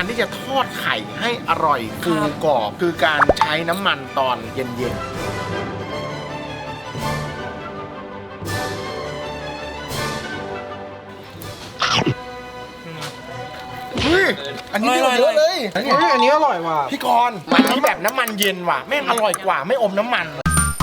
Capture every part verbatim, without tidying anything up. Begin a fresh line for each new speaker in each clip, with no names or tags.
ที่จะทอดไข่ให้อร่อยฟูกรอบคือการใช้น้ำมันตอนเย็นๆเฮ้ยอันนี้เยอะเลยอันนี้อันนี้อร่อยว่ะพี่กรณ์มันที่แบบน้ำมันเย็นว่ะแม่งอร่อยกว่าไม่อมน้ำมัน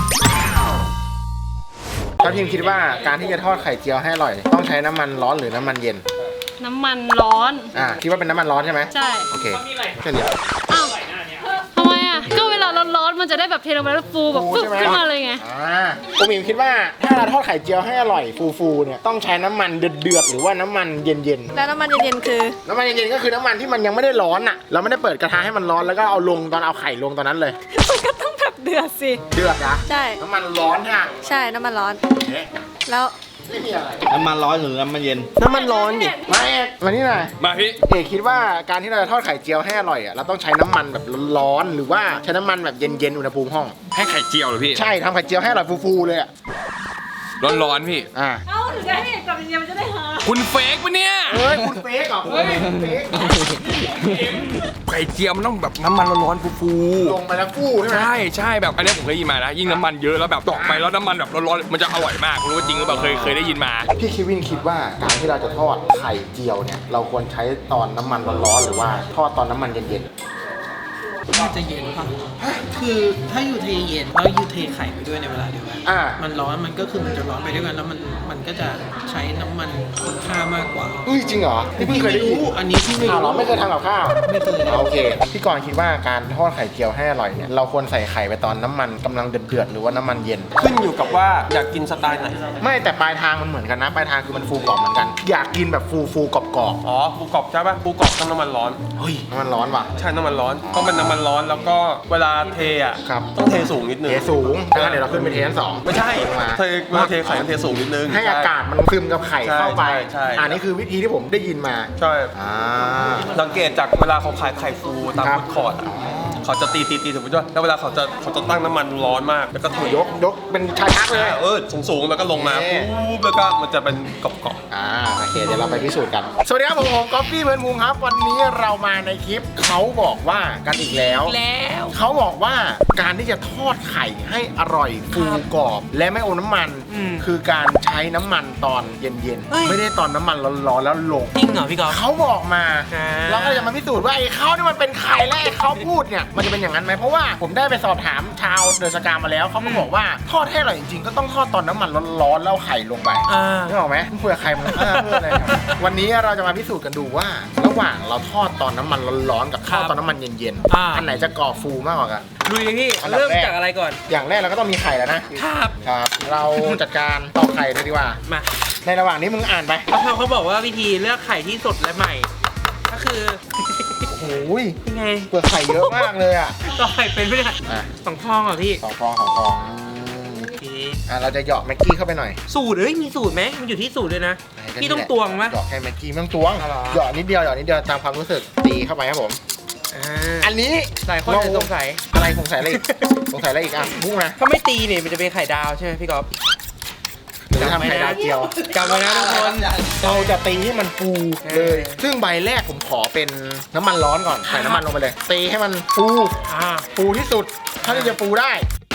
ถ้าพิมคิดว่าการที่จะทอดไข่เจียวให้อร่อยต้องใช้น้ำมันร้อนหรือน้ำมันเย็น
น้ำมันร้อน
อ่าคิดว่าเป็นน้ำมันร้อนใช่ไหม
ใช่
โอเคแค่นี้
อ้าวทำไมอ่ะก็เวลาร้อนๆมันจะได้แบบเทลงไปแล้วฟูแบบฟึ๊บขึ้นมาเลยไง
อ่าผมพิมคิดว่าถ้าเราทอดไข่เจียวให้อร่อยฟูๆเนี่ยต้องใช้น้ำมันเดือดๆหรือว่าน้ำมันเย็นๆ
แล้วน้ำมันเย็นๆคือ
น้ำมันเย็นๆก็คือน้ำมันที่มันยังไม่ได้ร้อนอ่ะเราไม่ได้เปิดกระทะให้มันร้อนแล้วก็เอาลงตอนเอาไข่ลงตอนนั้นเลย
มันก็ต้องแบบเดือดสิ
เดือดนะ
ใช่
น้ำมันร้อนค่ะ
ใช่น้ำมันร้อนแล้ว
ไม่มีอะไร
น้ำมันร้อนหรือน้ำมันเย็น
น้ำมันร้อนดิมาเอกมานี่หน่อย
มาพี่
เอกคิดว่าการที่เราจะทอดไข่เจียวให้อร่อยอ่ะเราต้องใช้น้ำมันแบบร้อนๆหรือว่าใช้น้ำมันแบบเย็นๆอุณหภูมิห้อง
ให้ไข่เจียวเหรอพี่
ใช่ทำไข่เจียวให้อร่อยฟูๆเลยอ่ะ
ร้อนๆพี่
อ่า
เอ้าหรือจะให้เอกกับเย็นมันจะได้หา
คุณเฟกปะเนี่ย
เฮ้ยคุณเฟกเหรอเฮ้ยคุณเฟก
ไข่เจียวมันต้องแบบน้ำมันร้อนๆฟู
ๆลงไปแล้วฟูใช่ไหม
ใช่ใช่แบบอันนี้ผมเคยได้ยินมานะยิ่งน้ำมันเยอะแล้วแบบตอกไปแล้วน้ำมันแบบร้อนๆมันจะอร่อยมากรู้ว่าจริงหรือเปล่าเคยเคยได้ยินมา
พี่คิวินคิดว่าการที่เราจะทอดไข่เจียวเนี่ยเราควรใช้ตอนน้ำมันร้อนๆหรือว่าทอดตอนน้ำมันเย็นๆ
น่าจะเย็นป่ะคือถ้าอยู่เทเย็นแล้วอยู่เทไข่ไปด้วยในเวลาเดียวกันมันร้อนมันก็คือมันจะร้อนไปด้วยกันแล้วมันมันก็จะใช้น้ำมันคุณค่ามากกว่า
อุ้ยจริงเหรอพี่เพิ่งเคยได้ยิน
อันนี้พี่ไม่รู้
เราไม่เคยทำกับข้าว
ไม่เคย
โอเคพี่กรณ์คิดว่าการทอดไข่เจียวให้อร่อยเนี่ยเราควรใส่ไข่ไปตอนน้ำมันกำลังเดือดๆหรือว่าน้ำมันเย็น
ขึ้นอยู่กับว่าอยากกินสไตล์ไหน
ไม่แต่ปลายทางมันเหมือนกันนะปลายทางคือมันฟูกรอบเหมือนกันอยากกินแบบฟูฟูกรอบกรอบ
อ๋อฟูกรอบใช่ป่ะฟูกรอบต้องน้ำมันร้อน
เฮ้ยน้ำมันร้อนว่ะ
ใช่น้ำมันร้อนต้องเป็นน้ำมันร้อนแล้วก็เวลาเทอ่ะต้องเทสูงนิดนึง
เทสูงงั้นเดี๋ยวเราขึ้นไปเทชั้นสอง
ไม่ใช่เทเวลาเทไข่ต้องเทสูงนิดนึง
ให้อากาศมันซึมกับไข่เข้าไปอันนี้คือวิธีที่ผมได้ยินมา
ใช่สังเกตจากเวลาเขาขายไข่ฟูตามฟู้ดคอร์ทเขาจะตีตีตีถึงไปด้วยแล้วเวลาเขาจะเขาจะตั้งน้ำมันร้อนมากแล้วก็
ยกยกเป็นชาชักเลย
เออสูงสูงแล้วก็ลงมาปุ๊บแล้วก็มันจะเป็นกรอบ
ๆอ่าโอเคเดี๋ยวเราไปพิสูจน์กันสวัสดีครับผมผมก๊อฟฟี่เพื่อนพุงครับวันนี้เรามาในคลิปเขาบอกว่ากันอีกแล้ว
แล้ว
เขาบอกว่าการที่จะทอดไข่ให้อร่อยฟูกรอบและไม่อมน้ำมันคือการใช้น้ำมันตอนเย็นๆไม่ได้ตอนน้ำมันร้อนๆแล้วลง
จริงเหรอพี่ก๊อฟ
เขาบอกมาเราก็จะมาพิสูจน์ว่าไอ้เขานี่มันเป็นไข่และไอ้เขาพูดเนี่ยมันจะเป็นอย่างนั้นไหมเพราะว่าผมได้ไปสอบถามชาวเดอะสกามาแล้วเขาก็บอกว่าทอดให้อร่อยจริงๆก็ต้องทอดตอนน้ำมันร้อนๆแล้วไข่ลงไปนึกออกไหมเพื่อใครมันเพื่ออะไรวันนี้เราจะมาพิสูจน์กันดูว่าระหว่างเราทอดตอนน้ำมันร้อนๆกับทอดตอนน้ำมันเย็นๆอันไหนจะกรอบฟูมากกว่ากัน
ลุยพี่เริ่มจากอะไรก่อน
อย่างแรกเราก็ต้องมีไข่แล้วนะครับครับเราจัดการตอกไข่เลยดีกว่า
มา
ในระหว่างนี้มึงอ่านไป
เขาเขาบอกว่าวิธีเลือกไข่ที่สดและใหม่ก็คือ
โอ้ย
ยังไง
เปลือกไข่เยอะมากเลยอ่ะ
ต่อไข่เป็นไม่ได้สองฟองเหรอพี่
สองฟองสองฟองโอเคอ่ะเราจะเหยาะแม็กกี้เข้าไปหน่อย
สูตรเอ้ยมีสูตรไหมมันอยู่ที่สูตรเลยนะพี่ต้องตวงไหม
เหยาะแค่แม็กกี้ไม่ต้องตวงเหยาะนิดเดียวเหยาะนิดเดียวตามความรู้สึกตีเข้าไปครับผมอันนี้
หลายคนสงสัย
อะไรสงสัยอะไรอีกสงสัยอะไรอีกอ่ะพุ่งนะ
ถ้าไม่ตีเนี่ยมันจะเป็นไข่ดาวใช่ไหมพี่ก๊อฟ
หรือทำไข่ดาวเจียว
จำไว้นะทุกคน
เราจะตีให้มันฟูเลยซึ่งใบแรกผมขอเป็นน้ำมันร้อนก่อนใส่น้ำมันลงไปเลยตีให้มันฟูฟูที่สุดถ้าจะฟูได้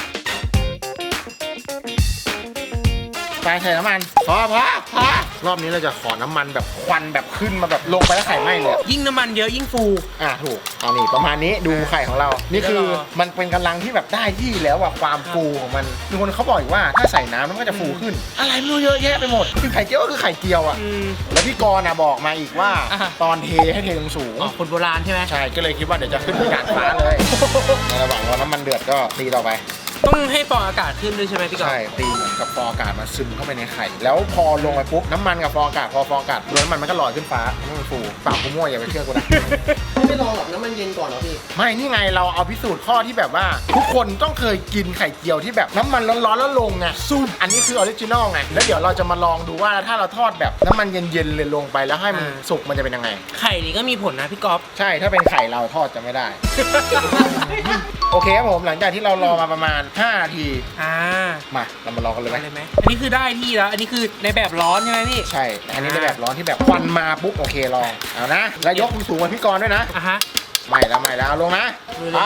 ใส่น้ำมันพอพอพอรอบนี้เราจะขอน้ำมันแบบควันแบบขึ้นมาแบบลงไปแล้วไข่ไหม้เลย
ยิ่งน้ำมันเยอะยิ่งฟู
อ่ะถูกเอานี่ประมาณนี้ดูไข่ของเรานี่คือมันเป็นกำลังที่แบบได้ที่แล้วอะความฟูของมันมีคนเขาบอกว่าถ้าใส่น้ำมันก็จะฟูขึ้นอะไรไม่รู้เยอะแยะไปหมดคือไข่เจียวก็คือไข่เจียวอะแล้วพี่กรณ์นะบอกมาอีกว่าตอนเทให้เทสูง
คนโบราณใช่ไหม
ใช่ก็เลยคิดว่าเดี๋ยวจะขึ้นเป็นกาดฟ้าเลยในระหว่างรอน้ำมันเดือดก็ตีต่อไป
ต้องให้ฟองอากาศขึ้นด้วยใช่ไหมพี่ก๊อฟ
ใช่ตีเหมือนกับฟองอากาศมาซึมเข้าไปในไข่แล้วพอลงไปปุ๊บน้ำมันกับฟองอากาศพอฟองอากาศโดนน้ำมันมันก็ลอยขึ้นฟ้าไม่มันฟูปากกูมั่วอย่าไปเชื่อกูนะ
ไม่ลองหรอกน้ำมันเย็นก่อนเหรอพี่
ไม่นี่ไงเราเอาพิสูจน์ข้อที่แบบว่าทุกคนต้องเคยกินไข่เจียวที่แบบน้ำมันร้อนๆแล้วลงไงซุ่มอันนี้คือออริจินอลไงแล้วเดี๋ยวเราจะมาลองดูว่าถ้าเราทอดแบบน้ำมันเย็นๆเลยลงไปแล้วให้มันสุกมันจะเป็นยังไง
ไข่นี่ก็มีผลนะพี่ก๊อฟ
ใช่ถ้าเป็นไข่เราทอดจะไม่ได้โอเคครับผมหลังจากที่เรารอมาประมาณห้านาที
อ่า
มาเรามาลองกันเลยไห
ไป
ม
เลยไหมอันนี้คือได้ที่แล้ว อันนี้คือในแบบร้อนใช่ไหมพี่
ใช่อันนี้ในแบบร้อนที่แบบควันมาปุ๊บโอเคลองเอานะแล้วยกสูงกว่าพี่กรณ์ด้วยนะ
อ่ะฮะ
ไม่แล้วไม่แล้วเอาลงนะ
เลย
ไป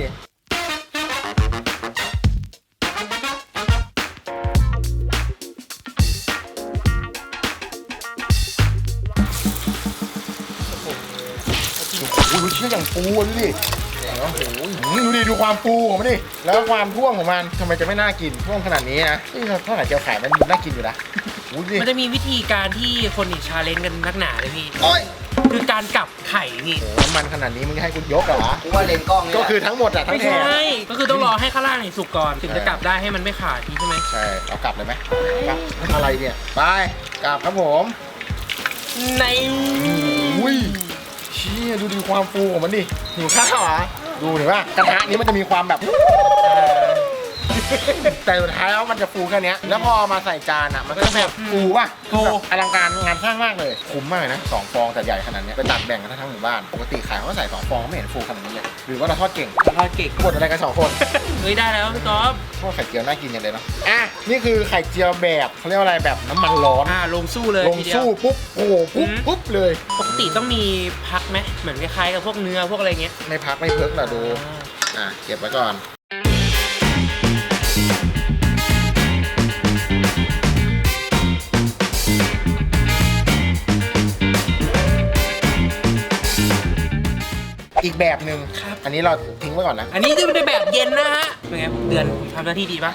โอ้โหเชื่ออย่างฟูดูดิโอ้โหดูดิดูความฟูของมันดิแล้วความท่วงของมันทำไมจะไม่น่ากินท่วงขนาดนี้นะนี่เท่าไหร่เจียวไข่มันน่ากินอยู่นะโอ้โหดิ
มันจะมีวิธีการที่คนอีกชาเลนจ์กันนักหนาเลยพี่
โอ้ย
คือการกลับไข่พี่
โอ้โหน้ำมันขนาดนี้มึงจะให้กูยกเหรอ
กูว่าเลนส์กล้องนี่
ก็คือทั้งหมดอะทั้
ไม่
งแถ
ใช่
บ
ก็คือต้องรอให้ข้างล่างเนี่ยสุกก่อน ถึงจะกลับได้ให้มันไม่ขาดพี่ใช่ไหม
ใช่เรากลับเลยไหมกลับอะไรเนี่ยไปกลับครับผม
ใน
อุ้ยเชี่ยดูดีความฟูของมันดิหิวข้าวเหรอดูเห็นป่ะกระทะนี้มันจะมีความแบบ แต่สุดท้ายแล้วมันจะฟูแค่เนี้ยแล้วพอมาใส่จานอ่ะมันก็จะแบบฟูป่ะฟูแบบอลังการงานสร้างมากเลยคุ้มมากเลยนะสองฟองแต่ใหญ่ขนาดเนี้ยไปตัดแบ่งกันทั้งหมู่บ้านปกติขายเขาก็ใส่สองฟองไม่เห็นฟูขนาดนี้เลยหรือว่าเราทอดเก่ง
ทอดเก่ง
บดอะไรกันสองคน
เฮ้ยได้แล้วพี่ก๊อฟ
พวกไข่เจียวน่ากินอย่างเลยเนาะอ่ะนี่คือไข่เจียวแบบเขาเรียกว่าอะไรแบบน้ำมันร้อน
อ่าลงสู้เลย
ลง
ทีเดียว
สู้ปุ๊บโอ้โหปุ๊บ
อืม
ปุ๊บเลย
ปกติต้องมีพักไหมเหมือนคล้ายๆกับพวกเนื้อพวกอะไรเงี้ย
ไม่พักไม่เพิกหรอดูอ่ะเก็บไว้ก่อนอีกแบบหนึ่ง
ครับ
อันนี้เราทิ้งไว้ก่อนนะ
อันนี้จะเป็นแบบเย็นนะฮะเป็นไงเดือนผมทำหน้าที่ดีปะ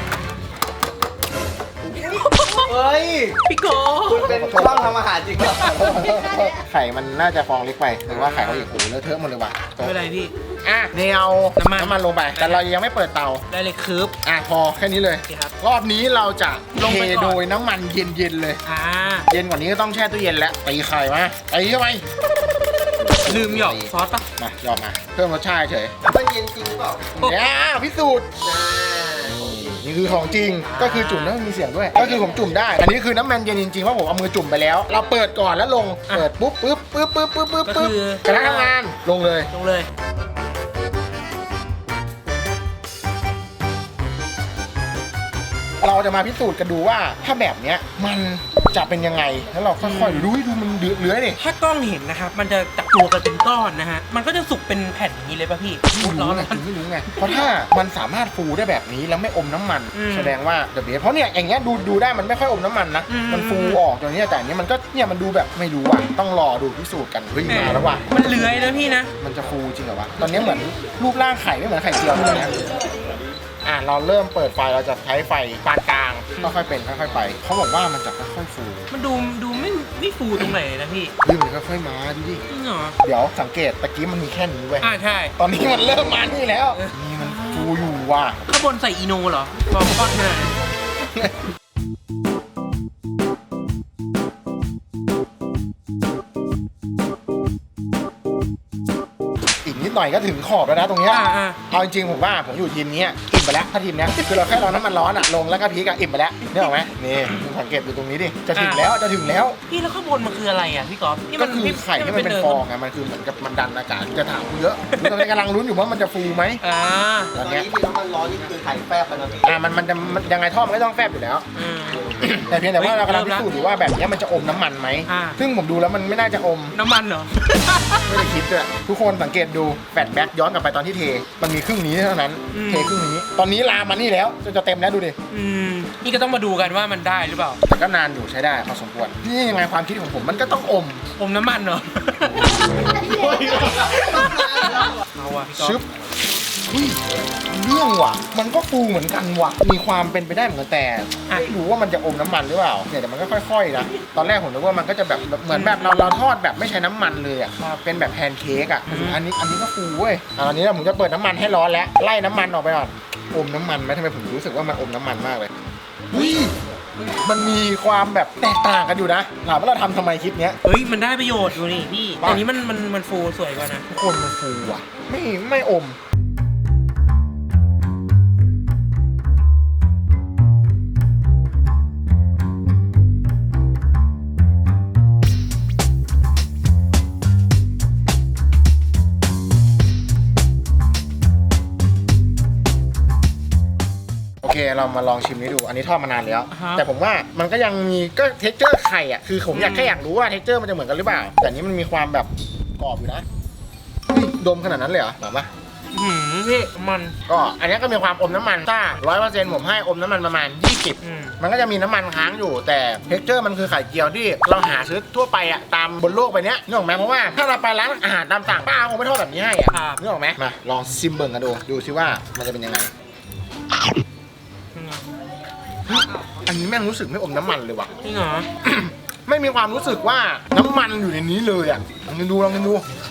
เฮ้ย
พี่ก๊อฟ
คุณเป็นช่องทำอาหารจริงเหรอ
ไข่มันน่าจะฟองเล็กไปหรือว่าไข่เขาอีกโอ้โหเลอะเทอะหมดเลยว่ะ
ไม่เป็นไรพี่
อ่ะนี่เอา
น้ำมัน
น้ำมันลงไป แต่เรายังไม่เปิดเตา
ได้เลยคืบ
อ่ะพอแค่นี้เลย
โอเคครับ
รอบนี้เราจะ
ลง
เท
ไปก่อน
โดยน้ำมันเย็นๆเลย
อ่า
เย็นกว่านี้ก็ต้องแช่ตู้เย็นแล้วตีไข่มาตีเข้าไป
ลืมหยอกซอสปะ
มาหยอกมาเพิ่มรสชาติเฉย
มันเย็นจริงหรือเปล่า
เนี่ยพิสูจน์นี่คือของจริงก็คือจุ่มแล้วมันมีเสียงด้วย ก็คือผมจุ่มได้ อันนี้คือน้ำมันเย็นจริงๆเพราะผมเอามือจุ่มไปแล้ว เราเปิดก่อนแล้วลงเปิดปุ๊บปุ๊บปุ๊บปุ๊บปุ๊บปุ๊บปุ๊บกระทะทำงานลงเลย
ลงเลย
เราจะมาพิสูจน์กันดูว่าถ้าแบบเนี้ยมันจะเป็นยังไงแล้วเราค่อยๆดูดูมันเลื้อยดิ
ถ้ากล้องเห็นนะครับ มันจะจับตัวกันเป็นก้อนนะฮะ มันก็จะสุกเป็นแผ่นอย่างนี้เลยป่ะพี่
ไม่
ร้
รู้
อน
ไง
ร้อน
ถึงไม่รู้ไงเพราะถ้ามันสามารถฟูได้แบบนี้แล้วไม่อมน้ำมัน
อืม
แสดงว่าเดอะเบสเพราะเนี่ยอย่างเงี้ยดูดูได้มันไม่ค่อยอมน้ำมันนะ
อืม
มันฟูออกอย่างเนี้ยแต่อันนี้มันก็เนี่ยมันดูแบบไม่รู้ว่ะต้องรอดูพิสูจน์กันเฮ้ยมาแล้วว่ะ
มันเลื้อยนะพี่นะ
มันจะฟูจริงเหรอวะตอนนี้เหมือนรูปร่างไข่ไม่เหมือนไข่เจียวเลยนะอ่ะเราเริ่มเปิดไฟเราจะใช้ไฟปานกลางค่อยๆเป็นค่อยๆไปเขาบอกว่ามันจะค่อยๆฟู
มันดูดูไม่ไม่ฟูตรงไหนเลยนะพี่
เฮ้ยมันค่อยๆมาดูดิ
จริงเหรอ
เดี๋ยวสังเกตตะกี้มันมีแค่นี้เว้ย
อ่าใช่
ตอนนี้มันเริ่มมานี่แล้วนี่มันฟูอยู่ว่ะ
ข้างบนใส่อีโนเหรอพอทอดขนาดนั้น
อีกนิดหน่อยก็ถึงขอบแล้วนะตรงเนี้ย
อ่าอ่า
เอาจริงๆผมว่าผมอยู่ทีมเนี้ยอิ่มไปแล้วถ้าทีมเนี้ยคือเราแค่รอน้ำมันร้อนอะลงแล้วก็พริกอะอิ่มไปแล้วนี่ออกไหมนี่มึงสังเกตดูตรงนี้ดิจะถึงแล้วจะถึงแล้ว
พี่แล้วข้างบนมันคืออะไรอ่ะพี่ก๊อฟที่
ก็
มัน
คือไข่ที่มันเป็นฟองไงมันคือเหมือนกับมันดันอากาศจะถามกูเยอะกูตอนนี้กำลังลุ้นอยู่ว่ามันจะฟูไหม
อ่า
ต
ต
อ
อน น
เนี้ย
นี้ที่น้ำมันร้อนนี่คือไข่แฟบไปนะพี่
อ่ะมันมันจะมันยังไงท่อมันก็ต้องแฟบอยู่แล้ว
อืม
แต่เพียงแต่ว่า
เฮ้ย
เรากำลัง
เริ่
พิ
มละ
สูจน์อยู่ว่าแบบเนี้ยมันจะอมน้ำมันไหม
อ่า
ซึ่งผมดูแล้วมันไม่น่าจะอม
น้ำมันเหรอ
ไม่ได้คิดด้วยทุกคนสังเกตดูแฟลชแบ็กย้อนกลับไปตอนที่เท มันมีครึ่งนี้เท่านั้น
อืม
เทครึ่งนี้ ตอนนี้ลามมานี่แล้วจนจะเต็มแล้วดูดิ
อืมนี่ก็ต้องมาดูกันว่ามันได้หรือเปล่า
แต่ก็นานอยู่ใช้ได้พอสมควรนี่ยังไงความคิดของผมมันก็ต้องอม
อมน้ำมันเหรอ เอาว่ะพี่ก๊อ
ชึ
ฟ
บอุ้ยเรื่องว่ะ มันก็ฟูเหมือนกันว่ะ มีความเป็นไปได้เหมือนกันแต่ไม่รู้ว่ามันจะอมน้ำมันหรือเปล่าเนี่ยแต่มันก็ค่อยๆนะตอนแรกผมนึกว่ามันก็จะแบบเหมือนแบบเราเราทอดแบบไม่ใช้น้ำมันเลยอ่ะเป็นแบบแพนเค้กอ่ะอันนี้อันนี้ก็ฟูเว้ยอ่ะตอนนี้ผมจะเปิดน้ำมันให้ร้อนแล้วไล่น้ำมันออกไปก่อนอมน้ำมันไหมทำไมผมรู้สึกว่ามันอมน้ำมันมากเลยอุ้ยมันมีความแบบแตกต่างกันอยู่นะถามว่าเราทำทำไมคลิปเนี้ย
เฮ้ยมันได้ประโยชน์ดูนี่พี่
ป่ะ
อันนี้มันมันมันฟูสวยกว่านะ
ทุกคนมันฟูอ่ะ ไม่ไม่อมเรามาลองชิมนี้ดู อันนี้ทอดมานานแล้ว
อ่าฮะ
แต่ผมว่ามันก็ยังมีก็เท็กเจอร์ไข่อ่ะคือผมอยากแค่อยากรู้ว่าเท็กเจอร์มันจะเหมือนกันหรือเปล่า แต่อันนี้มันมีความแบบกรอบอยู่นะเฮ้ยดมขนาดนั้นเลยเหรอหรอปะ
หืมพี่มัน
ก็อันนี้ก็มีความอมน้ำมันถ้าร้อยเปอร์เซ็นต์ผมให้อมน้ำมันประมาณยี่สิบ
อืม
มันก็จะมีน้ำมันค้างอยู่แต่เท็กเจอร์มันคือไข่เจียวที่เราหาซื้อทั่วไปอ่ะตามบนโลกใบเนี้ยนึกออกไหมเพราะว่าถ้าเราไปร้านอาหารตามสั่งป้าคงไม่ทอดแบบนี้ให้อ่ะนึกออกไหมมาลองซิมเบิร์กันดูดูซิว่ามันจะเป็นยังไง อันนี้แม่งรู้สึกไม่อมน้ำมันเลยว่ะ
จริงเหรอ
ไม่มีความรู้สึกว่าน้ำมันอยู่ในนี้เลยอ่ะลองกินดูลองกินดู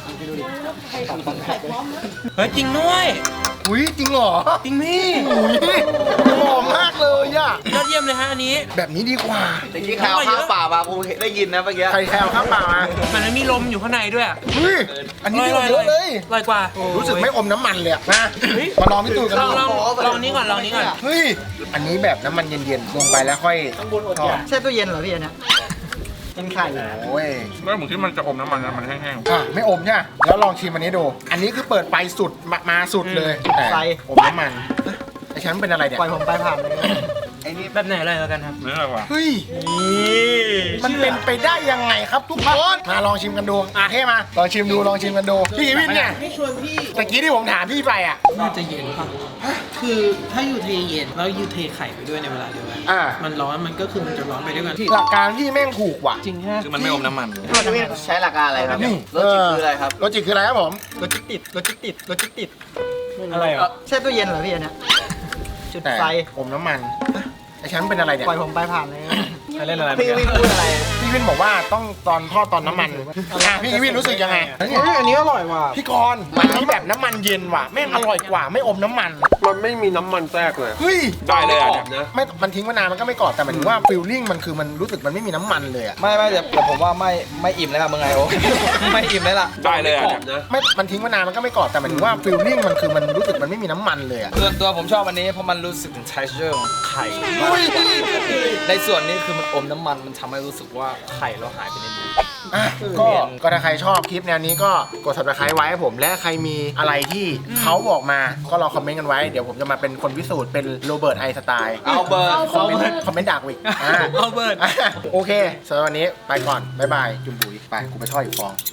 เฮ้ยจริงด้วย
อุ้ยจริงเหรอ
จริงพี่
อุ้ยหอมมากเลยอ่ะ
ยอดเยี่ยมเลยฮะอันนี้
แบบนี้ดีกว่า
แต่กี้ข่าวข้าวเปล่ามากูได้ยินนะเมื่อกี้
ใครแคลข้าวเปล่ามา
มันไม่มีลมอยู่ข้างในด้วย
เฮ้ยอันนี้ดีกว่าเยอะเลย
อร่อยกว่า
รู้สึกไม่อมน้ำมันเลยอะมามาลองพิสูจน์กัน
ลอ
ดู
งลองลองนี้ก่อนลองนี้ก่อน
เฮ้ยอันนี้แบบน้ำมันเย็นๆลงไปแล้วค่อยทอด
แช่ตู้เย็นเหรอพี่อันเนี้ยเป็นไข่
โอ้ย
แล้วผมคิดมันจะอมน้ำมันนะมันแห้ง
อ่ะไม่อมใช่ไหมแล้วลองชิมอันนี้ดู อันนี้คือเปิดไฟสุดมามาสุดเลยแต่อมน้ำมันไอ้ฉันเป็นอะไรเนี่ย
ปล่อยผมไปผ่านเลยไอ้นี่
แบบไหนเลยแล้วกันครับ
ๆเนื้ออะไรวะ
เฮ้ยมันเป็นไปได้ยังไงครับทุกคนมาลองชิมกันดูอ่ะเท่มาลองชิมดูลองชิมกันดูพี่วินเนี่ย
ไม่ชวนพี่
ตะกี้ที่ผมถามพี่ไปอ่ะ
น่าจะเย็นป่ะคือถ้าอยู่เทเย็นแล้วอยู่เทไข่ไปด้วยในเวลาเดียวกัน
อ่า
มันร้อนมันก็คือมันจะร้อนไปด้วยกัน
หลักการพี่แม่งถูกว่ะ
จริงฮะ
คือมันไม่อมน้ำมัน
พี่ใช้หลักการอะไรครับ
นี่
รถจิตคืออะไรครับ
โลจิกคืออะไรครับผม
รถจิตติดรถจิตติดรถจิตติด
อะไรอ่ะ
แช่ตู้เย็นเหรอพี่อันเนี้ยจุด
แต่
ไฟ
อมน้ำมันไอ้ฉันเป็นอะไรเนี่ย
ปล่อยผมไปผ่านเลย
ใครเล่นอะไร
พี่วินพูดอะไร
พี่วินบอกว่าต้องตอนทอดตอนน้ำมันอ่ะพี่วินรู้สึกยังไง
อันนี้อร่อยว่ะ
พี่กรณ์อันนี้แบบน้ำมันเย็นว่ะแม่งอร่อยกว่าไม่อมน้ำมัน
มันไม่มีน้ำมันแทรกเลย
เฮ้ย
ได้เลยอ่ะ
กรอบนะ
ไม่มันทิ้งมานานมันก็ไม่กรอบแต่หมายถึงว่าฟิลลิ่งมันคือมันรู้สึกมันไม่มีน้ำมันเลยอะ
ไม่ไม่แต่แต่ผมว่าไม่ไม่อิ่มแล้วครับมึงไงโอ้ ไม่อิ่มแล้วล่ะ
ได้เลยอ่ะ
กรอบนะ
ไม่มันทิ้งมานานมันก็ไม่กรอบแต่หมายถึงว่าฟิลลิ่งมันคือมันรู้สึกมันไม่มีน้ำมันเลยอะ
ส่วนตัวผมชอบอันนี้เพราะมันรู้สึกถึง texture ของไข่
เฮ้ย
ในส่วนนี้คือมันอมน้ำมันมันทำให้รู้สึกว่าไข่เราหายไปนิดนึง
อ่ะก็ก็ถ้าใครชอบคลิปแนวนี้ก็กด subscribe ไว้ให้ผมและใครมีอะไรที่เขาบอกมาก็รอคอมเมนต์กันไว้เดี๋ยวผมจะมาเป็นคนพิสูจน์เป็นโรเบิร์ตไอน์สไตล์
เอาเบอร์
คอมเมนต์คอมเมนต์ด่ากูอีกอ่ะ
เอาเบิร์ด
โอเคสำหรับวันนี้ไปก่อน บ๊ายบาย จุ่มบุ๋ยไป กูไปทอดอีกฟอง